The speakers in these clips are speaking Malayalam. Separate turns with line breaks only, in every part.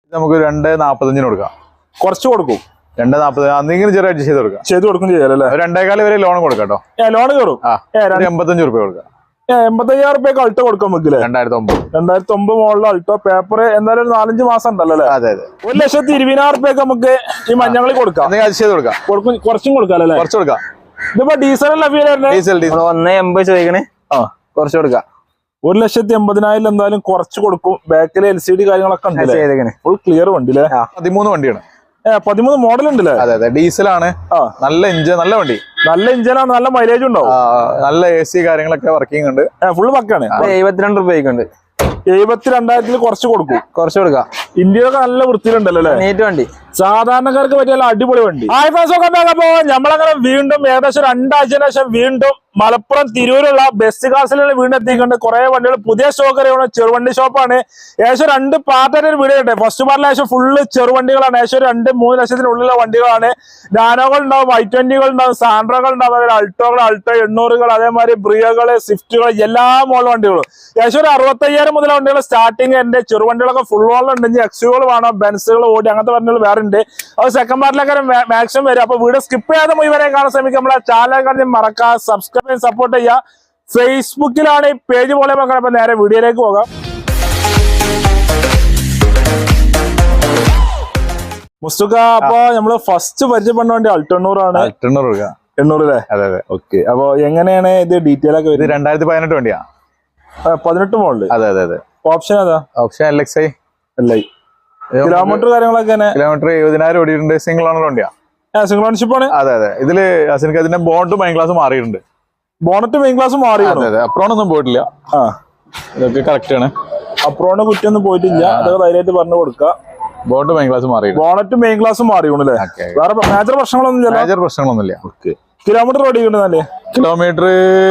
നമുക്ക് 2.45 കൊടുക്കാം.
കുറച്ച് കൊടുക്കും.
2.40 എന്തെങ്കിലും ചെറിയ അഡ്ജസ്റ്റ് ചെയ്ത് കൊടുക്കും
ചെയ്യാലല്ലേ.
2.25 വരെ ലോൺ കൊടുക്കാം കേട്ടോ.
ലോൺ കയറും.
85 രൂപ കൊടുക്കാം.
85,000 രൂപയ്ക്ക് അൾട്ടോ കൊടുക്കാൻ വെക്കില്ലേ? 2009 മോഡൽ അൾട്ടോ. പേപ്പർ എന്തായാലും ഒരു 4-5 മാസം ഉണ്ടല്ലോ അല്ലേ?
അതെ അതെ.
1,20,000 രൂപയ്ക്ക് നമുക്ക് ഈ മഞ്ഞങ്ങളിൽ കൊടുക്കാം. കുറച്ചും കൊടുക്കാം അല്ലേ?
കുറച്ച് കൊടുക്കാം.
ഇതിപ്പോ ഡീസൽ
ഡീസൽ
1.80 ചോദിക്കണേ. കുറച്ച് കൊടുക്കാം.
1,80,000 എന്തായാലും കുറച്ച് കൊടുക്കും. ബാക്കിലെ LCD കാര്യങ്ങളൊക്കെ ഉണ്ട്. ഫുൾ ക്ലിയർ വണ്ടി അല്ലേ?
13 വണ്ടിയാണ്.
13 മോഡൽ ഉണ്ടല്ലേ?
അതെ അതെ. ഡീസലാണ്. നല്ല ഇഞ്ചൻ, നല്ല വണ്ടി.
നല്ല ഇഞ്ചനാണ്. നല്ല മൈലേജ് ഉണ്ടാവും.
നല്ല AC കാര്യങ്ങളൊക്കെ വർക്കിംഗ് ഉണ്ട്.
ഫുള്ള് പക്കാണ്.
72 രൂപയ്ക്കുണ്ട്.
72,000 കുറച്ച് കൊടുക്കും.
കുറച്ച് കൊടുക്കാം.
ഇന്ത്യയിലൊക്കെ നല്ല വൃത്തിയിലുണ്ടല്ലോ അല്ലേ?
നീറ്റ് വണ്ടി.
സാധാരണക്കാർക്ക് പറ്റിയ അടിപൊളി വണ്ടി. അപ്പൊ നമ്മളങ്ങനെ വീണ്ടും ഏകദേശം 2 ആഴ്ചയ്ക്ക് ശേഷം വീണ്ടും മലപ്പുറം തിരൂരുള്ള ബെസ്റ്റ് കാസിലാണ് വീണ്ടും എത്തിക്കൊണ്ട് കുറെ വണ്ടികൾ പുതിയ സ്റ്റോക്ക് അറിയണം. ചെറുവണ്ടി ഷോപ്പാണ്. ഏകദേശം 2 പാർട്ടായിട്ട് വീഡിയോ കിട്ടെ. ഫസ്റ്റ് പാർട്ടിൽ ഏകദേശം ഫുള്ള് ചെറുവണ്ടികളാണ്. ഏകദേശം 2-3 ലക്ഷത്തിനുള്ളിലുള്ള വണ്ടികളാണ്. നാനോകൾ ഉണ്ടാവും, I20കൾ ഉണ്ടാവും, സാൻഡ്രകൾ ഉണ്ടാവും, അതേപോലെ അൾട്ടോകൾ, അൾട്ടോ 800കൾ, അതേമാതിരി ബ്രിയകള്, സ്വിഫ്റ്റുകൾ, എല്ലാ മോഡൽ വണ്ടികളും. ഏകദേശം ഒരു 65,000 മുതൽ വണ്ടികൾ സ്റ്റാർട്ടിങ്. എന്റെ ചെറുവണ്ടികളൊക്കെ ഫുൾ ഓൺ ഉണ്ടെങ്കിൽ എക്സുകൾ വേണം, ബെൻസുകൾ, ഓടി അങ്ങനത്തെ വണ്ടികൾ വേറെ ഉണ്ട്. അത് സെക്കൻഡ് പാർട്ടിലൊക്കെ മാക്സിമം വരും. അപ്പൊ വീഡിയോ സ്കിപ്പ് ചെയ്യാതെ മുഴുവനെ കാണാൻ ശ്രമിക്കുക. നമ്മളെ ചാനൽ കാണി മറക്കാം, സബ്സ്ക്രൈബ് ചെയ്യാൻ, സപ്പോർട്ട് ചെയ്യുക. ഫേസ്ബുക്കിലാണ് ഈ പേജ് പോലെ നോക്കണം. അപ്പൊ നേരെ വീഡിയോയിലേക്ക് പോകാം. മുസ്തുക്ക, അപ്പൊ നമ്മള് ഫസ്റ്റ് പരിചയപ്പെടുന്ന വണ്ടി അൾട്ടോ ആണ്. 800 അല്ലേ?
അതെ അതെ.
ഓക്കെ. അപ്പൊ എങ്ങനെയാണ് ഇത് ഡീറ്റെയിൽ ഒക്കെ വരുന്നത്?
2018 വണ്ടിയാ.
18 മോഡല്.
അതെ അതെ അതെ.
ഓപ്ഷൻ ഏതാ?
Option LXi.
കിലോമീറ്റർ കാര്യങ്ങളൊക്കെ?
കിലോമീറ്റർ 70,000 ഓടിയിട്ടുണ്ട്. സിംഗിൾ ഓണർ വണ്ടിയാ.
സിംഗിൾ ഓണർഷിപ്പ് ആണ്.
അതെ അതെ. ഇതില് അതിന്റെ ബോണ്ട് മെയിൻ ക്ലാസ് മാറിയിട്ടുണ്ട്.
ബോണറ്റ് മെയിൻ ക്ലാസ് മാറി.
അപ്രോണൊന്നും പോയിട്ടില്ല. ഇതൊക്കെ കറക്റ്റ് ആണ്.
അപ്രോണ് കുറ്റൊന്നും പോയിട്ടില്ല. അതൊക്കെ ധൈര്യമായിട്ട് പറഞ്ഞു കൊടുക്കുക.
ബോണ്ട് മെയിൻ ക്ലാസ് മാറി.
ബോണറ്റ് മെയിൻ ക്ലാസ് മാറിയോണല്ലേ? വേറെ മേജർ പ്രശ്നങ്ങളൊന്നുമില്ല. കിലോമീറ്റർ ഓടിക്കണ്ടല്ലേ?
കിലോമീറ്റർ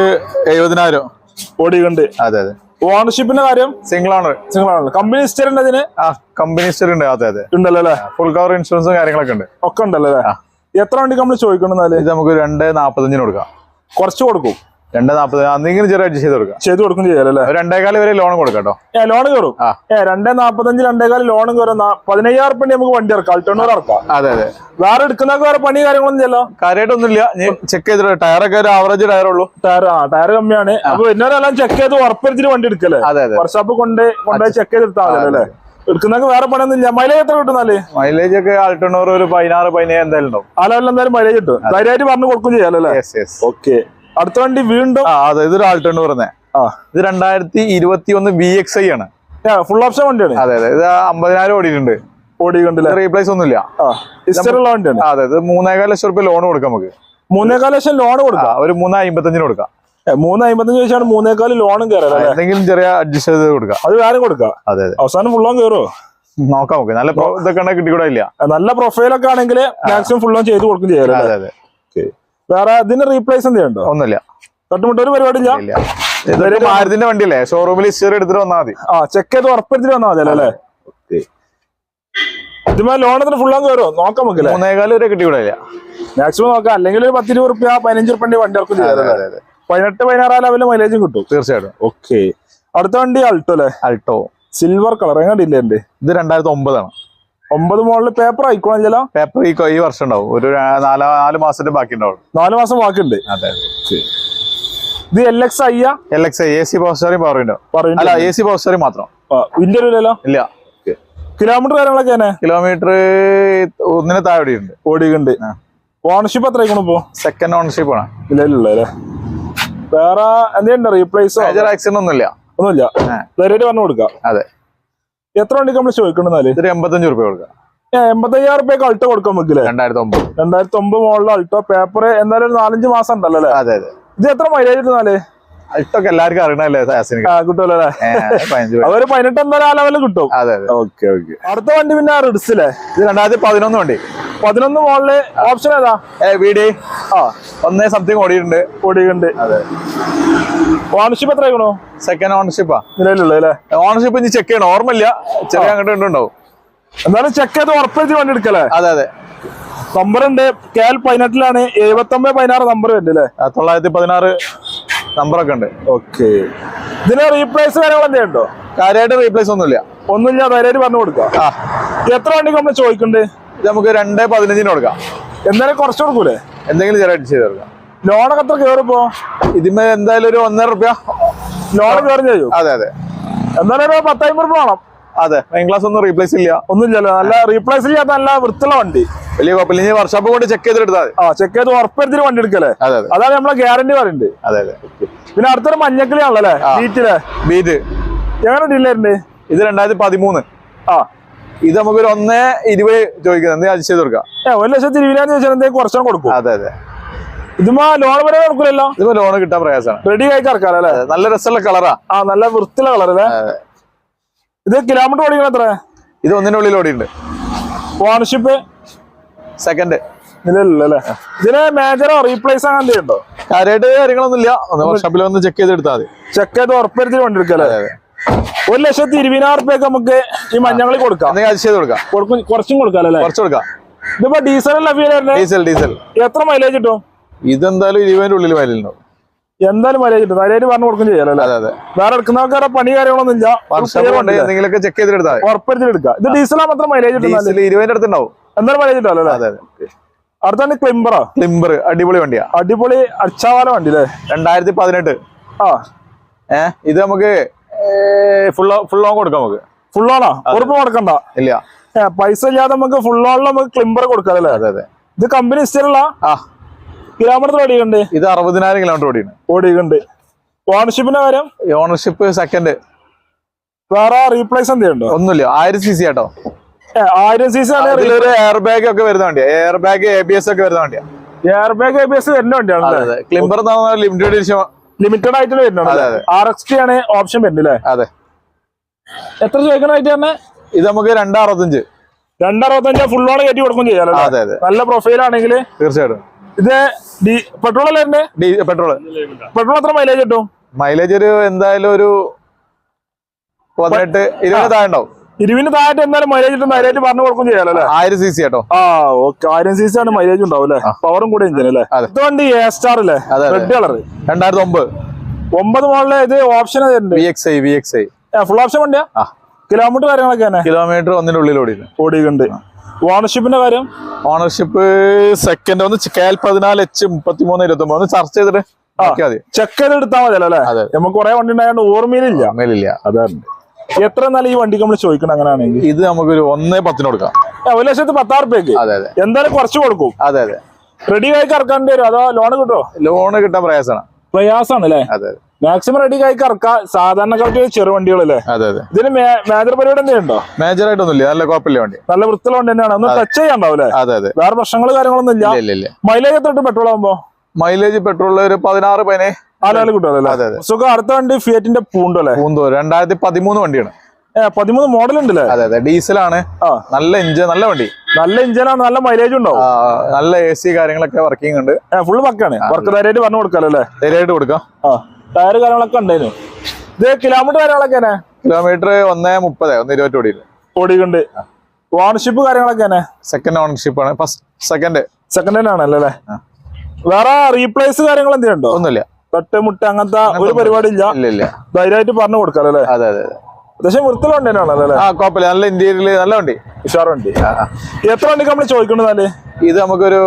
70,000
ഓടിക്കണ്ട്.
അതെ അതെ.
ഓണർഷിപ്പിന്റെ കാര്യം? Single owner. കമ്പനി ഹിസ്റ്ററി ഉണ്ട് അതിന്?
കമ്പനി ഹിസ്റ്ററി ഉണ്ട്. അതെ അതെ.
ഉണ്ടല്ലോ അല്ലേ?
ഫുൾ കവർ ഇൻഷുറൻസും കാര്യങ്ങളൊക്കെ ഉണ്ട്.
ഒക്കെ ഉണ്ടല്ലോ അല്ലേ? എത്ര വണ്ടിക്ക് നമ്മൾ ചോദിക്കണമെന്നാല്?
ഇത് നമുക്ക് 2.45 കൊടുക്കാം.
കുറച്ച് കൊടുക്കും.
2.40 എന്തെങ്കിലും ചെറിയ അഡ്ജസ്റ്റ് ചെയ്ത് കൊടുക്കും
ചെയ്യാലല്ലേ?
2.25 വരെ ലോൺ കൊടുക്കാം കേട്ടോ.
ലോൺ കയറും. 2.45 2.25 ലോണും കയറും. 15,000 രൂപ നമുക്ക് വണ്ടി ഇറക്കാം. അൾട്ടോണർ ഇറക്കാം.
അതെ അതെ.
വേറെ എടുക്കുന്നൊക്കെ വേറെ പണി കാര്യങ്ങളൊന്നും ചെയ്യല്ലോ?
കാര്യമായിട്ടൊന്നുമില്ല. ചെക്ക് ചെയ്തിട്ട് ടയറൊക്കെ ഒരു ആവറേജ് ടയറുള്ളൂ.
ടയർ കമ്മിയാണ്. അപ്പൊ എന്നോരെല്ലാം ചെക്ക് ചെയ്ത് ഉറപ്പിച്ചിട്ട് വണ്ടി എടുക്കല്ലേ? വർക്ക്ഷോപ്പ് കൊണ്ടുപോയി ചെക്ക് ചെയ്തെടുത്താൽ മതി അല്ലേ? എടുക്കുന്നൊക്കെ വേറെ പണിയൊന്നും ഇല്ല. മൈലേജ് എത്ര കിട്ടുന്നാല്?
മൈലേജ് ഒക്കെ അൾട്ടോണർ ഒരു 16-17 എന്തായാലും ഉണ്ടാവും.
ആ ലെവലിൽ എന്തായാലും മൈലേജ് കിട്ടും. ധൈര്യമായിട്ട് പറഞ്ഞു കൊടുക്കും ചെയ്യാലല്ലേ? ഓക്കെ. അടുത്ത വണ്ടി വീണ്ടും
അതെ. ഇതൊരു ആൾട്ടോ പറഞ്ഞേ. ഇത് 2021 VXi ആണ്.
ഫുൾ ഓപ്ഷൻ വണ്ടിയാണ്.
അതെ അതെ. ഇത് 50,000 ഓടിയിട്ടുണ്ട്. റീപ്ലേസ് ഒന്നുമില്ല.
ഹിസ്റ്ററിയുള്ള വണ്ടിയാണ്.
അതെ. ഇത് 3.25 ലക്ഷം രൂപ ലോൺ കൊടുക്കാം നമുക്ക്.
3.25 ലക്ഷം ലോൺ കൊടുക്കാം.
ഒരു 3.55 കൊടുക്കാം.
3.55 ചോദിച്ചാണ് 3.25 ലോണും കയറാം.
എന്തെങ്കിലും ചെറിയ അഡ്ജസ്റ്റ് ചെയ്ത് കൊടുക്കാം.
അത് വേറെ കൊടുക്കാം. അതെ. അവസാനം ഫുൾ ലോൺ കയറുമോ
നോക്കാം. നമുക്ക് നല്ല ഇതൊക്കെ കിട്ടിക്കൂടാ ഇല്ല.
നല്ല പ്രൊഫൈലൊക്കെ ആണെങ്കിൽ മാക്സിമം ഫുൾ ലോൺ ചെയ്ത് കൊടുക്കും ചെയ്യാം.
അതെ അതെ.
വേറെ ഇതിന് റീപ്ലേസ് എന്തെയുണ്ടോ?
ഒന്നുമില്ല.
തൊട്ടുമുട്ട ഒരു പരിപാടി ഇല്ല.
മാരുതിന്റെ വണ്ടിയല്ലേ? ഷോറൂമിൽ ഹിസ്റ്ററി എടുത്തിട്ട് വന്നാൽ മതി.
ചെക്ക് ചെയ്ത് ഉറപ്പെടുത്തിട്ട് വന്നാൽ മതി അല്ലേ? ഇതുമാ ലോണത്തിന് ഫുൾ ലോൺ കയറുമോ നോക്കാം നമുക്ക്.
3.25 വരെ കിട്ടിക്കൂടാ
മാക്സിമം നോക്കാം. അല്ലെങ്കിൽ ഒരു 10-20 രൂപ 15 രൂപ വണ്ടി ഇറക്കും ചെയ്യാം. 18-16 ലെവലിൽ മൈലേജും കിട്ടും തീർച്ചയായിട്ടും. ഓക്കെ. അടുത്ത വണ്ടി അൾട്ടോ അല്ലേ?
Alto
silver colour. എങ്ങനെയില്ല എന്റെ?
ഇത് 2009 ആണ്.
9 മോഡല്. പേപ്പർ ആയിക്കോളല്ലോ?
പേപ്പർ ഈ വർഷം ഉണ്ടാവും. ഒരു 4 മാസത്തിന്റെ ബാക്കി ഉണ്ടാവും.
4 മാസം ബാക്കിയുണ്ട്.
അതെ.
ഇത് LXi
AC power steering power window. അല്ല, AC പവർ സ്റ്റിയറിംഗ് മാത്രം.
ഇന്ത്യയിലല്ലോ?
ഇല്ല.
കിലോമീറ്റർ കാര്യങ്ങളൊക്കെ?
കിലോമീറ്റർ 1 താഴെ
ഓടിയുണ്ട്. ഓണർഷിപ്പ് എത്ര ഇപ്പോ?
സെക്കൻഡ് ഓണർഷിപ്പ് ആണ്.
ഇല്ലേ? വേറെ എന്തെങ്കിലും റീപ്ലേസോ
മേജർ ആക്സിഡന്റ് ഒന്നുമില്ല.
ധൈര്യമായിട്ട് പറഞ്ഞു കൊടുക്കാം.
അതെ.
എത്ര വണ്ടിക്ക് നമ്മൾ ചോദിക്കണമെന്നാല്?
85 രൂപ കൊടുക്കാം.
85,000 രൂപയ്ക്ക് അൾട്ടോ കൊടുക്കാൻ വെക്കില്ലേ? 2009 മോഡൽ അൾട്ടോ. പേപ്പർ എന്തായാലും 4-5 മാസം ഉണ്ടല്ലോ അല്ലേ?
അതെ അതെ.
ഇത് എത്ര മൈലേജ് കിട്ടുന്നാല്?
അൾട്ടോക്ക് എല്ലാവർക്കും അറിയണല്ലേ?
കിട്ടുമല്ലോ അല്ലേ? അതൊരു 18 എന്തായാലും ആ ലെവലിൽ കിട്ടും.
അതെ അതെ.
Okay okay. അടുത്ത വണ്ടി പിന്നെ റിഡ്സില്ലേ?
ഇത് 2011 വണ്ടി.
11 മോഡല്. ഓപ്ഷൻ ഏതാ?
VD 1 സംതിങ് ഓടിയിട്ടുണ്ട്. അതെ.
ഓണർഷിപ്പ് എത്ര ആയിക്കണോ?
സെക്കൻഡ് ഓണർഷിപ്പാ
നിലവിലുള്ള അല്ലേ?
ഓണർഷിപ്പ് ഇനി ചെക്ക് ചെയ്യണം. ഓർമ്മയില്ല. ചെറിയ അങ്ങോട്ട് ഉണ്ടാവും.
എന്നാലും ചെക്ക് ചെയ്ത് ഉറപ്പിച്ച് വണ്ടി എടുക്കല്ലേ?
അതെ അതെ.
നമ്പറുണ്ട്. KL 18 7916 നമ്പർ ഉണ്ട് അല്ലേ?
916 നമ്പറൊക്കെ ഉണ്ട്.
ഓക്കെ. ഇതിന് റീപ്ലേസ് കാര്യങ്ങൾ എന്തെയുണ്ടോ?
കാര്യമായിട്ട് റീപ്ലേസ് ഒന്നുമില്ല.
ധൈര്യമായിട്ട് പറഞ്ഞു കൊടുക്കാം. എത്ര വണ്ടിക്ക് നമ്മൾ ചോദിക്കുന്നുണ്ട്?
ഇത് നമുക്ക് 2.15 കൊടുക്കാം.
എന്തായാലും കുറച്ച് കൊടുക്കൂലേ?
എന്തെങ്കിലും ചെറിയ ചെയ്ത് കൊടുക്കാം.
ലോണൊക്കെ എത്ര കയറിപ്പോ?
ഇതിന്മേ എന്തായാലും ഒരു 1.5 രൂപ
ലോൺ കയറി ചെയ്യും.
അതെ അതെ.
എന്തായാലും ഒരു 10,000 രൂപ വേണം.
അതെ, മെയിൻ ക്ലാസ് ഒന്നും റീപ്ലേസ് ഇല്ല,
ഒന്നുമില്ലല്ലോ. നല്ല റീപ്ലേസ് ചെയ്യാത്ത നല്ല വൃത്തിയുള്ള വണ്ടി,
വലിയ കുഴപ്പമില്ല. ഇനി വർക്ക്ഷോപ്പ് കൊണ്ട് ചെക്ക് ചെയ്തെടുത്താൽ മതി.
ചെക്ക് ചെയ്ത് ഉറപ്പെടുത്തിട്ട് വണ്ടി എടുക്കല്ലേ?
അതെ അതെ,
അതാണ് നമ്മളെ ഗ്യാരണ്ടി പറയുന്നത്.
അതെ അതെ.
പിന്നെ അടുത്തൊരു മഞ്ഞക്കിളിയാണല്ലേ ബീറ്റിലെ
ബീറ്റ്.
എങ്ങനെ ഡീലറുണ്ട്?
ഇത് 2013.
ആ,
ഇത് നമുക്കൊരു 1.20 ചോദിക്കുന്നത്, എന്തെങ്കിലും അഡ്ജസ്റ്റ് ചെയ്ത് കൊടുക്കാം.
1,20,000 ചോദിച്ചാൽ എന്തെങ്കിലും കുറച്ചും കൊടുക്കും.
അതെ അതെ.
ഇതുമാ ലോൺ വരെ കൊടുക്കില്ലല്ലോ?
ഇതിപ്പോ ലോൺ കിട്ടാൻ പ്രയാസമാണ്.
റെഡി ആയി ഇറക്കാറല്ലേ?
നല്ല രസമുള്ള കളറാ.
ആ, നല്ല വൃത്തിയുള്ള കളറല്ലേ? ഇത് കിലോമീറ്റർ ഓടിക്കണ എത്ര?
ഇത് 1 ഉള്ളിൽ ഓടിയുണ്ട്.
Ownership
second
നിലവിലല്ലേ? ഇതിന് മേജറോ റീപ്ലേസ് അങ്ങനെ എന്തെങ്കിലും ഉണ്ടോ?
കാര്യമായിട്ട് കാര്യങ്ങളൊന്നും ഇല്ല. വർക്ക്ഷോപ്പിൽ വന്ന് ചെക്ക് ചെയ്തെടുത്താൽ മതി.
ചെക്ക് ചെയ്ത് ഉറപ്പെടുത്തി വണ്ടി എടുക്കല്ലേ? 1,20,000 രൂപയ്ക്ക് നമുക്ക് ഈ മഞ്ഞങ്ങളി കൊടുക്കാം.
അഡ്ജസ്റ്റ് ചെയ്ത് കൊടുക്കാം.
കുറച്ചും കൊടുക്കാം അല്ലേ?
കുറച്ച് കൊടുക്കാം.
ഇതിപ്പോ ഡീസൽ
ഡീസൽ
എത്ര മൈലേജ് കിട്ടും?
ഇതെന്തായാലും 20 ഉള്ളിൽ മൈലുണ്ടാവും.
എന്തായാലും മൈലേജ് കിട്ടും. ധൈര്യമായിട്ട് പറഞ്ഞു കൊടുക്കും ചെയ്യാലോ?
അതെ അതെ.
വേറെ എടുക്കുന്നവർക്ക് പണി കാര്യങ്ങളൊന്നും ഇല്ല.
എന്തെങ്കിലുമൊക്കെ ചെക്ക് ചെയ്തെടുത്താൽ
ഉറപ്പെടുത്തി എടുക്കാം. ഇത് ഡീസലാ മാത്രം മൈലേജ് കിട്ടും.
20 അടുത്തുണ്ടാവും.
എന്തായാലും മൈലേജ് കിട്ടുമല്ലോ അല്ലേ?
അതെ അതെ.
അടുത്താണ് ക്ലിംബറോ?
ക്ലിംബർ അടിപൊളി വണ്ടിയാ.
അടിപൊളി അച്ചാവാല വണ്ടി അല്ലേ?
2018.
ആ,
ഇത് നമുക്ക് ഫുൾ ഓൺ കൊടുക്കാം. നമുക്ക്
ഫുൾ ഓണോ? ഉറപ്പ് കൊടുക്കണ്ട.
ഇല്ല,
പൈസ ഇല്ലാതെ നമുക്ക് ഫുൾ ഓണിൽ നമുക്ക് ക്ലിംബർ കൊടുക്കാം അല്ലേ?
അതെ അതെ.
ഇത് കമ്പനി ഇഷ്ടമുള്ള കിലോമീറ്റർ ഓടിയുണ്ട്.
ഇത് 60,000 കിലോമീറ്റർ
ഓടിയുണ്ട്. ഓണർഷിപ്പിന്റെ കാര്യം?
Ownership second.
വേറെ റീപ്ലേസ് എന്തെയുണ്ടോ?
ഒന്നുമില്ല. 1000 cc ആട്ടോ.
1000 cc ആണ്.
ഇതിലൊരു എയർ ബാഗ് ഒക്കെ വരുന്ന വണ്ടിയാ. എയർ ബാഗ് ABS ഒക്കെ വരുന്ന വണ്ടിയാ.
എയർ ബാഗ് ABS വരുന്ന വണ്ടിയാണ്.
ക്ലിംബർ ലിമിറ്റഡ് എഡിഷൻ,
ലിമിറ്റഡ് ആയിട്ട് വരുന്നുണ്ട്. RXT ആണ് ഓപ്ഷൻ വരുന്നത് അല്ലേ?
അതെ.
എത്ര ചോദിക്കണായിട്ട് തന്നെ?
ഇത് നമുക്ക് 2.65.
2.65 ഫുൾ ഓൺ കയറ്റി കൊടുക്കും ചെയ്യാലോ?
അതെ അതെ.
നല്ല പ്രൊഫൈൽ ആണെങ്കിൽ
തീർച്ചയായിട്ടും.
ഇത് പെട്രോൾ അല്ലേ?
പെട്രോൾ.
പെട്രോൾ എത്ര മൈലേജ് കിട്ടും?
മൈലേജ് ഒരു എന്തായാലും ഒരു 18-20 താഴെ ഉണ്ടാവും.
20 താഴെ എന്തായാലും മൈലേജ് കിട്ടും. ധൈര്യമായിട്ട് പറഞ്ഞു കൊടുക്കും ചെയ്യാലോ അല്ലേ?
1000 cc ആട്ടോ.
ആ, ഓക്കെ. 1000 cc ആണ് മൈലേജ് ഉണ്ടാവും അല്ലേ? പവറും കൂടെ എഞ്ചിൻ അല്ലേ? ഇത് വണ്ടി A-Star അല്ലേ? Red colour.
2009
മോഡല്. ഇത് ഓപ്ഷൻ
VXI.
ഫുൾ ഓപ്ഷൻ വണ്ടിയാ? കിലോമീറ്റർ കാര്യങ്ങളൊക്കെ തന്നെ?
കിലോമീറ്റർ 1 ഉള്ളിൽ
ഓടിയിട്ടുണ്ട്. ഓണർഷിപ്പിന്റെ കാര്യം?
Ownership second. ഒന്ന് KL 14H 3329 ഒന്ന് ചർച്ച ചെയ്തിട്ട്
ചെക്ക് ചെയ്ത് എടുത്താൽ മതി അല്ലേ? നമുക്ക് കുറെ വണ്ടി ഉണ്ടായത് ഓർമ്മയിലില്ല. അതാണ്. എത്ര എന്നാലും ഈ വണ്ടിക്ക് നമ്മൾ ചോദിക്കണം അങ്ങനെയാണെങ്കിൽ?
ഇത് നമുക്കൊരു 1.10 കൊടുക്കാം.
1,10,000 രൂപയ്ക്ക് എന്തായാലും കുറച്ച് കൊടുക്കും.
അതെ അതെ.
റെഡി ആയി ഇറക്കാണ്ടി വരും അതോ ലോൺ കിട്ടുമോ?
ലോണ് കിട്ടാൻ
പ്രയാസമാണ് അല്ലേ?
അതെ.
മാക്സിമം റെഡി ആയി ഇറക്കാം. സാധാരണക്കാർക്ക് ചെറു വണ്ടികളല്ലേ?
അതെ അതെ.
ഇതിന് മേജർ പരിപാടി എന്തെയുണ്ടോ?
മേജർ ആയിട്ടൊന്നുമില്ല. നല്ല കുഴപ്പമില്ല വണ്ടി.
നല്ല വൃത്തിയുള്ള വണ്ടി തന്നെയാണ്. ഒന്ന് ടച്ച് ചെയ്യാണ്ടാവൂലേ?
അതെ അതെ.
വേറെ പ്രശ്നങ്ങൾ കാര്യങ്ങളൊന്നും ഇല്ല. മൈലേജ് എത്ര കിട്ടും പെട്രോൾ ആകുമ്പോ?
മൈലേജ് പെട്രോളിൽ ഒരു 16-17
കിട്ടുമല്ലോ. സുഖം. അടുത്ത വണ്ടി ഫിയറ്റിന്റെ പൂണ്ടോ അല്ലേ?
2013 വണ്ടിയാണ്.
13 മോഡൽ ഉണ്ടല്ലേ?
അതെ അതെ. ഡീസലാണ്. നല്ല എഞ്ചിൻ, നല്ല വണ്ടി.
നല്ല എഞ്ചിനാണ്. നല്ല മൈലേജ് ഉണ്ടാവും.
നല്ല AC കാര്യങ്ങളൊക്കെ വർക്കിംഗ് ഉണ്ട്.
ഫുൾ പക്കാണ്. വർക്ക് ധൈര്യമായിട്ട് പറഞ്ഞു കൊടുക്കാലോ അല്ലേ?
ധൈര്യമായിട്ട് കൊടുക്കാം.
ടയർ കാര്യങ്ങളൊക്കെ ഉണ്ടായിരുന്നു. ഇത് കിലോമീറ്റർ കാര്യങ്ങളൊക്കെ
കിലോമീറ്റർ 1.30
ഓടിക്കുന്നുണ്ട്. ഓണർഷിപ്പ് കാര്യങ്ങളൊക്കെ
സെക്കൻഡ് ഓണർഷിപ്പ് ആണ്. സെക്കൻഡ്
ആണല്ലേ? വേറെ റീപ്ലേസ് കാര്യങ്ങൾ എന്തെയുണ്ടോ?
ഒന്നുമില്ല.
തട്ടുമുട്ട അങ്ങനത്തെ ഒരു പരിപാടി ഇല്ല. ധൈര്യമായിട്ട് പറഞ്ഞു കൊടുക്കാലോ അല്ലേ?
അതെ അതെ.
അത്യാവശ്യം വൃത്തിയുള്ള വണ്ടിയാണല്ലോ?
കുഴപ്പമില്ല. നല്ല ഇന്റീരിയൽ നല്ല വണ്ടി,
ഉഷാർ വണ്ടി. എത്ര വണ്ടിക്ക് നമ്മൾ ചോദിക്കണെന്നാല്?
ഇത് നമുക്കൊരു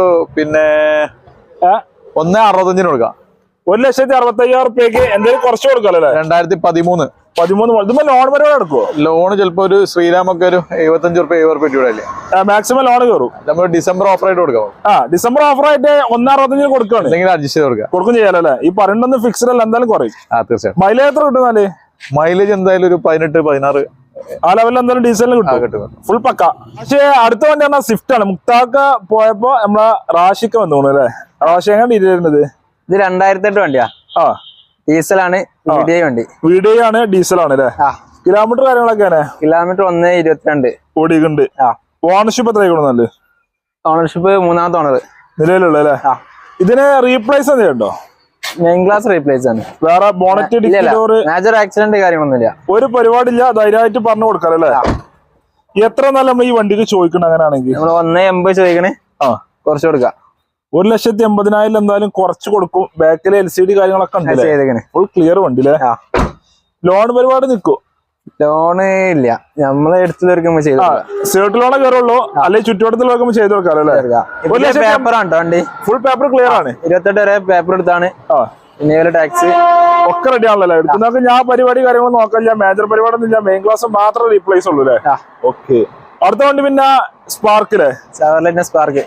1.65 കൊടുക്കാം.
1,65,000 രൂപയ്ക്ക് എന്തെങ്കിലും കുറച്ച് കൊടുക്കാലോ?
2013
ഇതിപ്പോ ലോൺ പരിപാടി എടുക്കുവോ?
ലോണ് ചിലപ്പോ ഒരു ശ്രീരാമൊക്കെ ഒരു 75-70 രൂപ
മാക്സിമം ലോൺ കയറും.
നമ്മൾ ഡിസംബർ ഓഫർ ആയിട്ട് കൊടുക്കാം.
ഡിസംബർ ഓഫർ ആയിട്ട് 1.65 കൊടുക്കുകയാണ്.
എന്തെങ്കിലും അഡ്ജസ്റ്റ് ചെയ്ത്
കൊടുക്കും ചെയ്യാലോ അല്ലേ? ഈ പറയണ്ടൊന്നും ഫിക്സ്ഡ് അല്ല, എന്തായാലും കുറയും.
തീർച്ചയായും.
മൈലേജ് എത്ര കിട്ടുന്നാല്?
മൈലേജ് എന്തായാലും ഒരു 18-16
ആ ലെവലിൽ എന്തായാലും ഡീസലിന് കിട്ടും. ഫുൾ പക്ക. പക്ഷേ അടുത്ത വണ്ടി പറഞ്ഞാൽ സ്വിഫ്റ്റ് ആണ്. മുക്താക്ക പോയപ്പോ നമ്മളെ റാഷിക്ക വന്നു തോന്നുന്നു അല്ലേ? റാഷി എങ്ങനെ ഡീറ്റെയിൽ?
ഇത് 2008 വണ്ടിയാ. ഡീസലാണ്.
വീഡിയോ ആണ്. ഡീസലാണ് അല്ലേ? കിലോമീറ്റർ കാര്യങ്ങളൊക്കെയാണ്?
കിലോമീറ്റർ 1.22
ഓടിക്കുന്നുണ്ട്. ഓണർഷിപ്പ് എത്ര കൊടുക്കുന്നുണ്ട്?
ഓണർഷിപ്പ് 3ാമത്തെ ഓണർ
നിലവിലുള്ള അല്ലേ? ഇതിന് റീപ്ലേസ് എന്തെയുണ്ടോ?
മെയിൻ ക്ലാസ് റീപ്ലേസ് ആണ്.
വേറെ ബോണറ്റ്
മേജർ ആക്സിഡന്റ് കാര്യങ്ങളൊന്നുമില്ല.
ഒരു പരിപാടിയില്ല. ധൈര്യമായിട്ട് പറഞ്ഞു കൊടുക്കാം അല്ലേ? എത്ര നല്ല നമ്മൾ ഈ വണ്ടിക്ക് ചോദിക്കണം അങ്ങനെയാണെങ്കിൽ?
നമ്മൾ 1.80 ചോദിക്കണേ. കുറച്ച് കൊടുക്കാം.
1,80,000 എന്തായാലും കുറച്ച് കൊടുക്കും. ബാക്കിലെ LCD കാര്യങ്ങളൊക്കെ ഉണ്ട്. ഫുൾ ക്ലിയർ വണ്ടി അല്ലേ? ലോൺ പരിപാടി നിൽക്കും.
ലോണ് ഇല്ല, നമ്മളെ എടുത്തുള്ളവർക്ക് ചെയ്തു
സേർട്ട് ലോണേ കയറുള്ളൂ, അല്ലെങ്കിൽ ചുറ്റുവട്ടത്തിലൊക്കെ ചെയ്ത് കൊടുക്കാം അല്ലേ?
പേപ്പറാണ് വണ്ടി,
ഫുൾ പേപ്പർ ക്ലിയർ ആണ്.
28 വരെ പേപ്പർ എടുത്താണ്. പിന്നെ ടാക്സ്
ഒക്കെ റെഡി ആണല്ലോ എടുക്കുന്നതൊക്കെ. ഞാൻ പരിപാടി കാര്യങ്ങൾ നോക്കാം, മേജർ പരിപാടി ഒന്നും ഇല്ല, മെയിൻ ക്ലാസ് മാത്രം റീപ്ലേസ് ഉള്ളൂ അല്ലേ? ഓക്കെ. അടുത്ത വണ്ടി പിന്നെ സ്പാർക്കിലെ
സ്പാർക്ക്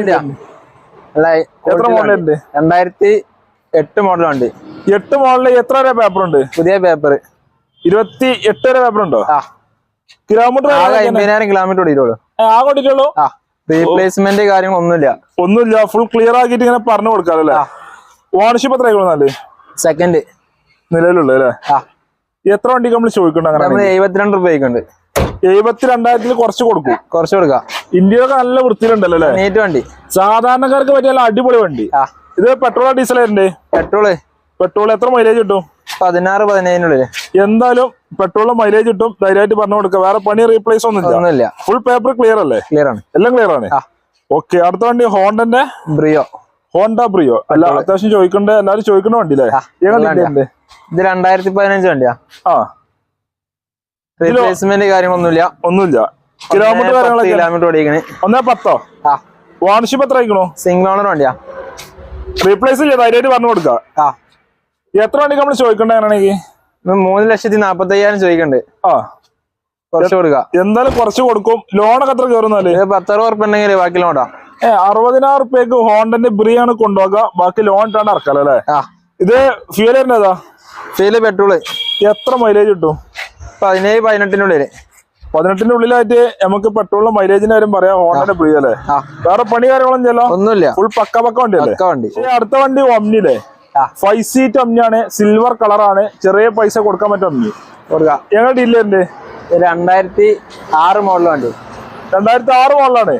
എത്ര മോഡലുണ്ട്?
2008 മോഡൽ വണ്ടി.
8 മോഡലിൽ എത്ര വരെ പേപ്പർ ഉണ്ട്?
പുതിയ പേപ്പർ
28 വരെ പേപ്പർ ഉണ്ടോ? കിലോമീറ്റർ
50,000 കിലോമീറ്റർ ഓടിയിട്ടുള്ളൂ.
ഓടിയിട്ടുള്ളൂ.
റീപ്ലേസ്മെന്റ്
ഒന്നുമില്ല, ഫുൾ ക്ലിയർ ആക്കിയിട്ട് ഇങ്ങനെ പറഞ്ഞു കൊടുക്കാം അല്ലേ? ഓണർഷിപ്പ് എത്ര ആയിക്കോളൂ?
സെക്കൻഡ്
നിലവിലുള്ളൂ അല്ലേ? എത്ര വണ്ടിക്ക് നമ്മൾ ചോദിക്കണ്ട? അങ്ങനെ
72 രൂപയ്ക്കുണ്ട്.
72,000 കുറച്ച്
കൊടുക്കാം.
ഇന്ത്യയിലൊക്കെ നല്ല വൃത്തിയിലുണ്ടല്ലോ അല്ലേ?
നീറ്റ് വണ്ടി,
സാധാരണക്കാർക്ക് പറ്റിയ അടിപൊളി വണ്ടി. ഇത് പെട്രോളോ ഡീസൽ ആയിരുന്നേ? പെട്രോൾ എത്ര മൈലേജ് കിട്ടും?
16-17
എന്തായാലും പെട്രോളിന് മൈലേജ് കിട്ടും, ധൈര്യമായിട്ട് പറഞ്ഞു കൊടുക്കാം. വേറെ പണി റീപ്ലേസ് ഒന്നുമില്ല, ഫുൾ പേപ്പർ ക്ലിയർ അല്ലേ? എല്ലാം ക്ലിയർ ആണ്. ഓക്കെ. അടുത്ത വണ്ടി ഹോണ്ട ബ്രിയോ അല്ല, അത്യാവശ്യം ചോദിക്കണ്ടേ, എല്ലാരും ചോദിക്കണ വണ്ടി അല്ലേ?
ഇത് 2015 വണ്ടിയാ. റീപ്ലേസ്മെന്റ്
ഒന്നുമില്ല. കിലോമീറ്റർ
ഓടിക്കണേ
110. ഓണർഷിപ്പ് എത്ര ആയിക്കണോ?
സിംഗിൾ ഓണർ വണ്ടിയാ.
റീപ്ലേസ് ചെയ്യാം, ധൈര്യമായിട്ട് പറഞ്ഞു കൊടുക്കാം. എത്ര വണ്ടിക്ക് നമ്മൾ ചോദിക്കണ്ടേ? അങ്ങനെയാണെങ്കിൽ
3,45,000 ചോദിക്കണ്ട്. കുറച്ച് കൊടുക്കാം.
എന്തായാലും കുറച്ച് കൊടുക്കും. ലോണൊക്കെ എത്ര കയറുന്നാല്?
10,000 ഉറുപ്പ ഉണ്ടെങ്കിൽ ബാക്കി ലോണാ.
60,000 റുപ്യക്ക് ഹോണ്ടന്റെ ബ്രിയാണ് കൊണ്ടുപോകുക, ബാക്കി ലോൺ ഇട്ടാണ് ഇറക്കാം അല്ലേ? ഇത് ഫ്യൂൽ വരുന്നതാ?
Fuel petrol.
എത്ര മൈലേജ് കിട്ടും?
17-18
18 ഉള്ളിലായിട്ട് നമുക്ക് പെട്രോളിന്റെ മൈലേജിന്റെ കാര്യം പറയാം. ഹോണ്ടന്റെ ബ്രി അല്ലേ? വേറെ പണി കാര്യങ്ങളൊന്നും ചെയ്യല്ലോ?
ഒന്നുമില്ല,
ഫുൾ പക്ക വണ്ടി അല്ലേ? അടുത്ത വണ്ടി ഒമ്നിയിലെ 5 സീറ്റ് ഒമ്നിയാണ്, സിൽവർ കളറാണ്, ചെറിയ പൈസ കൊടുക്കാൻ പറ്റും. ഒമ്നി കൊടുക്കാം. ഞങ്ങൾ ഡീലറിന്റെ
2006 മോഡൽ വണ്ടി.
2006 മോഡലാണ്.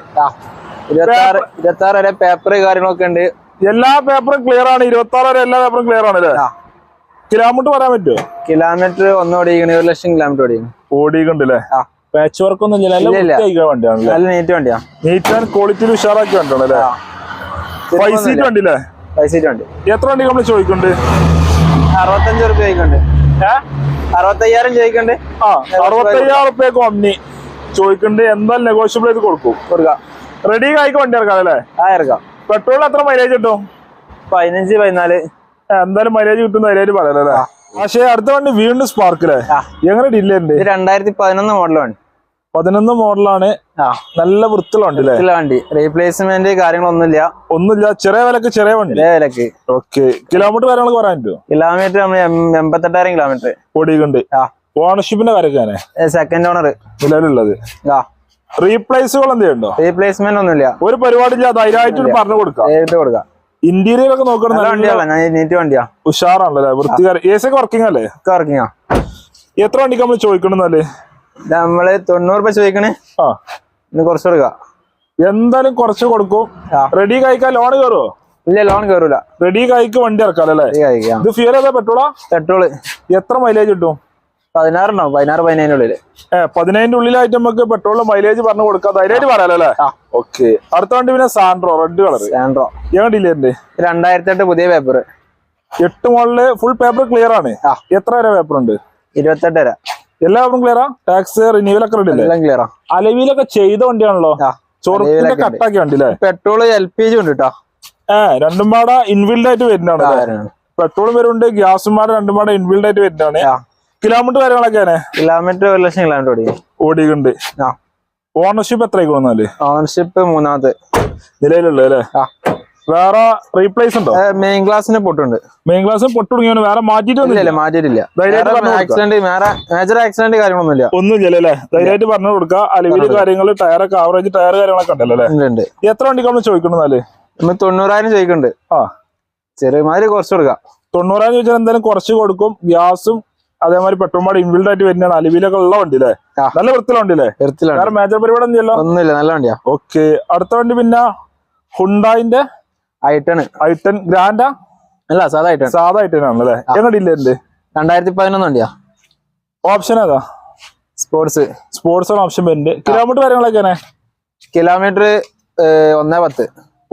26 വരെ പേപ്പർ കാര്യങ്ങളൊക്കെ ഉണ്ട്.
എല്ലാ പേപ്പറും ക്ലിയർ ആണ്. 26 വരെ എല്ലാ പേപ്പറും ക്ലിയർ ആണ് അല്ലേ? കിലോമീറ്റർ പറയാൻ പറ്റുമോ?
കിലോമീറ്റർ 1,00,000 കിലോമീറ്റർ
ഓടിക്കണ്ടല്ലേ? പാച്ച് വർക്ക് ഒന്നും വണ്ടിയാണ്.
നല്ല നീറ്റ് വണ്ടിയാ.
നീറ്റ് ആൻഡ് ക്വാളിറ്റിയിൽ ഉഷാറാക്കി വണ്ടിയാണല്ലേ? 5 സീറ്റ് വണ്ടി അല്ലേ?
5 സീറ്റ് വണ്ടി.
എത്ര വണ്ടി നമ്മൾ ചോദിക്കുന്നുണ്ട്?
65 രൂപ ചോദിക്കുന്നുണ്ട്. 65,000 ചോദിക്കുന്നുണ്ട്.
65,000 റുപ്യക്ക് ഒമ്നി ചോദിക്കുന്നുണ്ട്. എന്തായാലും നെഗോഷ്യബിൾ ചെയ്ത് കൊടുക്കാം. റെഡി ആയിക്ക് വണ്ടി ഇറക്കാം അല്ലേ?
ഇറക്കാം.
പെട്രോളിൽ എത്ര മൈലേജ് കിട്ടും?
15-14.
എന്തായാലും മൈലേജ് കിട്ടും, ധൈര്യമായിട്ട് പറയാം അല്ലേ? പക്ഷേ അടുത്ത വണ്ടി വീണ്ടും സ്പാർക്കിലെ എങ്ങനെ ഡീലറുണ്ട്?
2011 മോഡലാണ്.
11 മോഡലാണ്. നല്ല വൃത്തിയുള്ള വണ്ടി.
റീപ്ലേസ്മെന്റ് കാര്യങ്ങളൊന്നുമില്ല.
ചെറിയ വിലക്ക് ചെറിയ വണ്ടി. ഓക്കെ. കിലോമീറ്റർ കാര്യങ്ങളൊക്കെ പറയാൻ പറ്റുമോ?
Kilometre 88,000 kilometre
ഓടിക്കുന്നുണ്ട്. ഓണർഷിപ്പിന്റെ കാര്യമൊക്കെ
സെക്കൻഡ് ഓണർ
നിലവിലുള്ളത്. റീപ്ലേസുകൾ എന്തെയുണ്ടോ?
റീപ്ലേസ്മെന്റ് ഒന്നുമില്ല, ഒരു
പരിപാടി ധൈര്യമായിട്ട് പറഞ്ഞു കൊടുക്കാം. ഇന്റീരിയർ ഒക്കെ നോക്കണം.
വണ്ടിയാ,
ഉഷാറാണല്ലേ? വൃത്തികാരം. എ സി ഒക്കെ വർക്കിംഗ് അല്ലേ?
വർക്കിംഗ്.
എത്ര വണ്ടിക്ക് നമ്മൾ ചോദിക്കണെന്നാല്?
നമ്മള് 90 രൂപ ചോദിക്കണേ. കുറച്ച് കൊടുക്കാം.
എന്തായാലും കുറച്ച് കൊടുക്കും. റെഡി കഴിക്കാൻ ലോൺ കയറുമോ?
ഇല്ല, ലോൺ കയറൂല.
റെഡി കഴിക്ക് വണ്ടി ഇറക്കാം അല്ലേ? ഇത് ഫ്യൂൽ ഏതാ? പെട്രോള്. എത്ര മൈലേജ് കിട്ടും?
16 ഉണ്ടാവും. 16-17 ഉള്ളില്.
15 ഉള്ളിലായിട്ട് നമുക്ക് പെട്രോളിന് മൈലേജ് പറഞ്ഞു കൊടുക്കാം, ധൈര്യമായിട്ട് പറയാലോ അല്ലേ? ഓക്കെ. അടുത്ത വണ്ടി പിന്നെ സാൻഡ്രോ, റെഡ് കളർ. ഞങ്ങൾ ഡീലറിന്റെ
2008 പുതിയ paper.
8 model, full paper clear ആണ്. എത്ര വരെ പേപ്പർ ഉണ്ട്?
28 വരെ.
എല്ലാ പേപ്പറും ക്ലിയറാ? ടാക്സ് റിന്യൂവലൊക്കെ ക്ലിയറാ? അലവിയിലൊക്കെ ചെയ്ത വണ്ടിയാണല്ലോ? ചോറിന്റെ കട്ടാക്കിയ വണ്ടി അല്ലേ?
പെട്രോള് LPG ഉണ്ട് കേട്ടോ.
രണ്ടും പാടെ ഇൻബിൽഡ് ആയിട്ട് വരുന്നതാണ്. പെട്രോളും വരുന്നുണ്ട്, ഗ്യാസും പാടെ രണ്ടും പാടെ ഇൻബിൽഡ് ആയിട്ട് വരുന്നതാണ്. കിലോമീറ്റർ കാര്യങ്ങളൊക്കെയാണ്?
Kilometre 1,00,000 kilometre
ഓടിക്കുന്നുണ്ട്. ഓണർഷിപ്പ് എത്ര ആയിക്കോളൂ?
ഓണർഷിപ്പ് 3ാമത്തെ
നിലയിലുള്ളത് അല്ലേ? വേറെ റീപ്ലേസ് ഉണ്ടോ?
മെയിൻ ഗ്ലാസിന് പൊട്ടുണ്ട്.
മെയിൻ ഗ്ലാസ് പൊട്ട് തുടങ്ങിയോ? വേറെ മാറ്റിയിട്ടില്ല.
മേജർ ആക്സിഡന്റ്
ഒന്നുമില്ല അല്ലേ? ധൈര്യമായിട്ട് പറഞ്ഞു കൊടുക്കുക. അലവില് കാര്യങ്ങള്, ടയറൊക്കെ ആവറേജ് ടയർ കാര്യങ്ങളൊക്കെ ഉണ്ടല്ലോ അല്ലേ? എത്ര വണ്ടിക്ക് നമ്മൾ ചോദിക്കണെന്നാല്?
90,000 ചോദിക്കുന്നുണ്ട്. ചെറിയമാതിരി കുറച്ച് കൊടുക്കാം.
90,000 ചോദിച്ചാൽ എന്തായാലും കുറച്ച് കൊടുക്കും. ഗ്യാസും അതേമാതിരി പെട്രോൾ പാട് ഇൻബിൽഡ് ആയിട്ട് വരുന്നതാണ്. അലവിലൊക്കെ ഉള്ള വണ്ടി അല്ലേ? നല്ല വൃത്തിയുള്ള വണ്ടി അല്ലേ? വേറെ മേജർ പരിപാടി
ഒന്നുമില്ല, നല്ല വണ്ടിയാ.
ഓക്കെ. അടുത്ത വണ്ടി പിന്നെ ഹുണ്ടായിന്റെ i10 ഗ്രാൻഡാ?
അല്ല, സാധാ
i10 ആണല്ലേ? എങ്ങനെ ഡീലറിന്റെ?
2011 വണ്ടിയാ.
ഓപ്ഷൻ ഏതാ? സ്പോർട്സ് ആണ് ഓപ്ഷൻ വരുന്നുണ്ട്. കിലോമീറ്റർ കാര്യങ്ങളൊക്കെയാണ്?
കിലോമീറ്റർ 110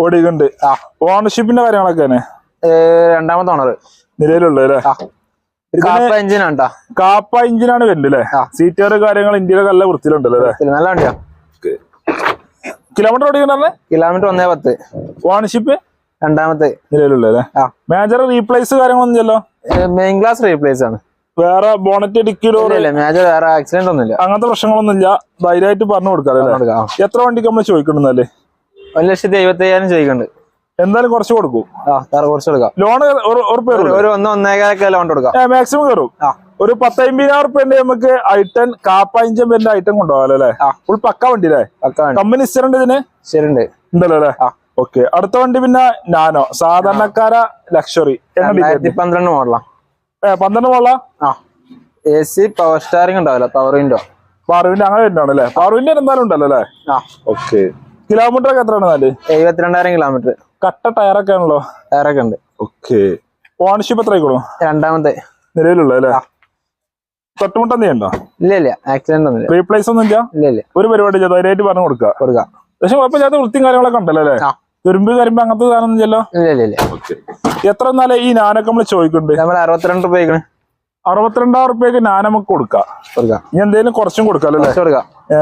ഓടിക്കുന്നുണ്ട്. ഓണർഷിപ്പിന്റെ കാര്യങ്ങളൊക്കെയാണ്?
2ാമത്തെ ഓണർ
നിലയിലുള്ളത് അല്ലേ?
കാപ്പ എഞ്ചിനാണ് ട്ടാ.
കാപ്പ എഞ്ചിനാണ് വരുന്നത് അല്ലേ? സീറ്റർ കാര്യങ്ങൾ ഇന്ത്യയിലൊക്കെ നല്ല വൃത്തിയിലുണ്ടല്ലോ അല്ലേ?
നല്ല വണ്ടിയാ.
കിലോമീറ്റർ ഓടിക്കണേ?
കിലോമീറ്റർ 110.
ഓണർഷിപ്പ്
രണ്ടാമത്തെ
നിലവിലുള്ള അല്ലേ? മേജർ റീപ്ലേസ് കാര്യങ്ങളൊന്നും ഇല്ലല്ലോ?
മെയിൻ ക്ലാസ് റീപ്ലേസ് ആണ്.
വേറെ ബോണറ്റ് ഡിക്കിലോ
മേജർ വേറെ ആക്സിഡന്റ് ഒന്നുമില്ല,
അങ്ങനത്തെ പ്രശ്നങ്ങളൊന്നും ഇല്ല. ധൈര്യമായിട്ട് പറഞ്ഞു കൊടുക്കാം. എത്ര വണ്ടിക്ക് നമ്മൾ ചോദിക്കണമെന്നല്ലേ?
1,75,000 ചോദിക്കുന്നുണ്ട്.
എന്തായാലും കുറച്ച് കൊടുക്കും.
കുറച്ച് കൊടുക്കാം.
ലോൺ
ഒരു 1.5 ലോൺ കൊടുക്കാം.
മാക്സിമം കയറും. ഒരു 10,50,000 റുപ്യ നമുക്ക് ഐറ്റൻ കാപ്പ ഇഞ്ചൻ വരുന്ന ഐറ്റം കൊണ്ടുപോകാലോ അല്ലേ? ഫുൾ പക്ക വണ്ടി അല്ലേ? കമ്പനി ഹിസ്റ്ററുണ്ട് ഇതിന്?
ശരിണ്ട്
ഉണ്ടല്ലോ അല്ലേ? ഓക്കെ. അടുത്ത വണ്ടി പിന്നെ നാനോ, സാധാരണക്കാര ലക്ഷറി.
2012 മോഡലാ.
12 മോഡലാ.
AC പവർ സ്റ്റാറിംഗ് ഉണ്ടാവില്ല, പവർ വിൻഡോ.
പവർ വിൻഡോ അങ്ങനെ വരുന്നതാണ് അല്ലേ? പവർ വിൻഡോ എന്തായാലും ഉണ്ടല്ലോ അല്ലേ? ഓക്കെ. കിലോമീറ്റർ ഒക്കെ എത്രയാണ്?
72,000 കിലോമീറ്റർ.
കട്ട ടയറൊക്കെ ആണല്ലോ?
ടയറൊക്കെ ഉണ്ട്.
ഓക്കെ. ഓണർഷിപ്പ് എത്ര ആയിക്കോളും?
രണ്ടാമത്തെ
നിലവിലുള്ള അല്ലേ? തൊട്ടുമുട്ടം നീ ഉണ്ടോ?
ഇല്ല, ആക്സിഡന്റ് ഒന്നുമില്ല.
റീപ്ലേസ് ഒന്നും ഇല്ല? ഒരു പരിപാടി ധൈര്യമായിട്ട് പറഞ്ഞു കൊടുക്കാം. പക്ഷെ കുഴപ്പമില്ലാത്ത വൃത്തിയും കാര്യങ്ങളൊക്കെ ഉണ്ടല്ലോ അല്ലേ? തുരുമ്പ് കരിമ്പ് അങ്ങനത്തെ സാധനം ഒന്നും ഇല്ലല്ലോ?
ഇല്ല.
എത്ര എന്നാലേ ഈ നാനൊക്കെ നമ്മള് ചോദിക്കുന്നുണ്ട്?
നമ്മൾ 62 രൂപ.
62,000 റുപ്യക്ക് ഞാൻ നമുക്ക് കൊടുക്കാം. ഇനി എന്തെങ്കിലും കുറച്ചും കൊടുക്കാല്ലോ അല്ലേ?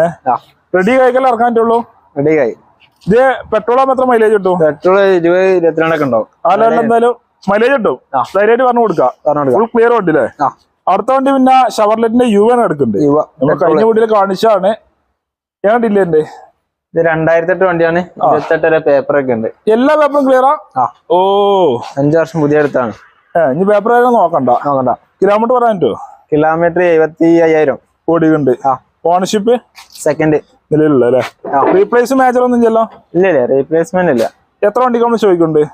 റെഡി കഴിക്കൽ ഇറക്കാൻ പറ്റുള്ളൂ.
റെഡി ആയി.
ഇത് പെട്രോൾ ആകുമ്പോൾ എത്ര മൈലേജ് കിട്ടും?
പെട്രോൾ 20-22 ഒക്കെ ഉണ്ടാവും.
എന്തായാലും മൈലേജ് കിട്ടും. ധൈര്യമായിട്ട് പറഞ്ഞു കൊടുക്കാം. ഫുൾ ക്ലിയർ വണ്ടി അല്ലേ? അടുത്ത വണ്ടി പിന്നെ ഷവർലെറ്റിന്റെ യു ആണ് എടുക്കുന്നുണ്ട്. നമ്മൾ കഴിഞ്ഞ വീട്ടിൽ കാണിച്ചാണ്. ഞാൻ ഡില്ലേന്റെ
ഇത് 2008 വണ്ടിയാണ്. 28 വരെ പേപ്പർ ഒക്കെ ഉണ്ട്.
എല്ലാ പേപ്പറും ക്ലിയറാ? ഓ,
5 വർഷം പുതിയ അടുത്താണ്.
ഇനി പേപ്പർ നോക്കണ്ട. കിലോമീറ്റർ പറയാൻ പറ്റുമോ?
കിലോമീറ്റർ 75,000
ഓടിയുണ്ട്. ഓണർഷിപ്പ്
സെക്കൻഡ്
നിലവിലുള്ള അല്ലേ? റീപ്ലേസ് മേജർ ഒന്നും ഇല്ലല്ലോ?
ഇല്ല, റീപ്ലേസ്മെന്റ് ഇല്ല.
എത്ര വണ്ടിക്ക് നമ്മൾ ചോദിക്കുന്നുണ്ട്?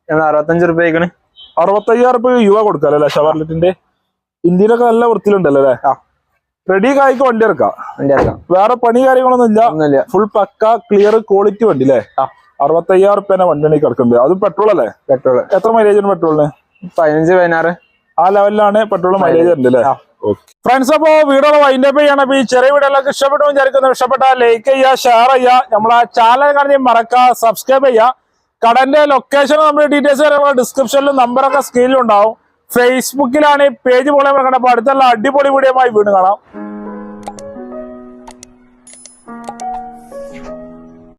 65 രൂപ.
65,000 റുപ്യ യുവ കൊടുക്കാല്ലോ അല്ലേ? ഷവർലെറ്റിന്റെ ഇന്ത്യയിലൊക്കെ നല്ല വൃത്തിയിലുണ്ടല്ലോ അല്ലേ? റെഡി കായ്ക്ക് വണ്ടി ഇറക്കാം. വേറെ പണി കാര്യങ്ങളൊന്നും ഇല്ല. ഫുൾ പക്ക ക്ലിയർ ക്വാളിറ്റി വണ്ടി അല്ലേ? 65,000 റുപ്യ വണ്ടി കിടക്കുന്നുണ്ട്. അത് പെട്രോൾ അല്ലേ? പെട്രോൾ. എത്ര മൈലേജ് ഉണ്ട് പെട്രോളിന്?
15-16
ആ ലെവലിലാണ് പെട്രോൾ മൈലേജ് ഉണ്ട് അല്ലേ? ഫ്രണ്ട്സ്, അപ്പോ വീഡിയോ വൈൻഡപ്പ് ചെയ്യണം. അപ്പൊ ഈ ചെറിയ വീഡിയോ എല്ലാവർക്കും ഇഷ്ടപ്പെട്ടു വിചാരിക്കുന്നു. ഇഷ്ടപ്പെട്ടാൽ ലൈക്ക് ചെയ്യുക, ഷെയർ ചെയ്യുക, നമ്മളെ ചാനൽ കാണുന്ന മറക്കുക, സബ്സ്ക്രൈബ് ചെയ്യുക. കടന്റെ ലൊക്കേഷൻ നമ്മുടെ ഡീറ്റെയിൽസ് കാര്യങ്ങൾ ഡിസ്ക്രിപ്ഷനിലും നമ്പറൊക്കെ സ്ക്രീനിലും ഉണ്ടാവും. ഫേസ്ബുക്കിലാണ് ഈ പേജ് പോലെ കണ്ടപ്പോൾ അടുത്തുള്ള അടിപൊളി വീഡിയോ വീണ്ടും കാണാം.